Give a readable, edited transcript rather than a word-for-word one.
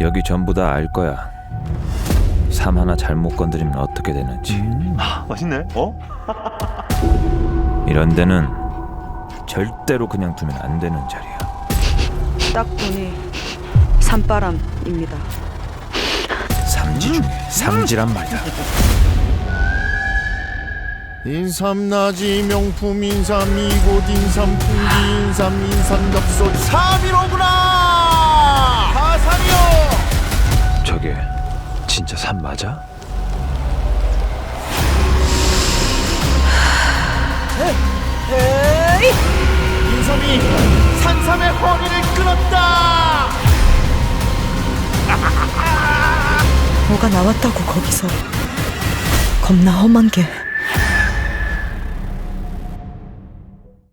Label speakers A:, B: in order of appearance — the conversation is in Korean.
A: 여기 전부 다 알 거야. 삶 하나 잘못 건드리면 어떻게 되는지.
B: 맛있네. 어?
A: 이런 데는 절대로 그냥 두면 안 되는 자리야.
C: 딱 보니 산바람입니다.
A: 삼지 중에 삼지란 말이다.
D: 인삼나지 명품 인삼 이곳 인삼 풍기 인삼 인삼엽소 315구나 하산이요.
A: 저게 진짜 산 맞아?
D: 인삼이 산삼의 허리를 끊었다.
C: 뭐가 나왔다고 거기서 겁나 험한 게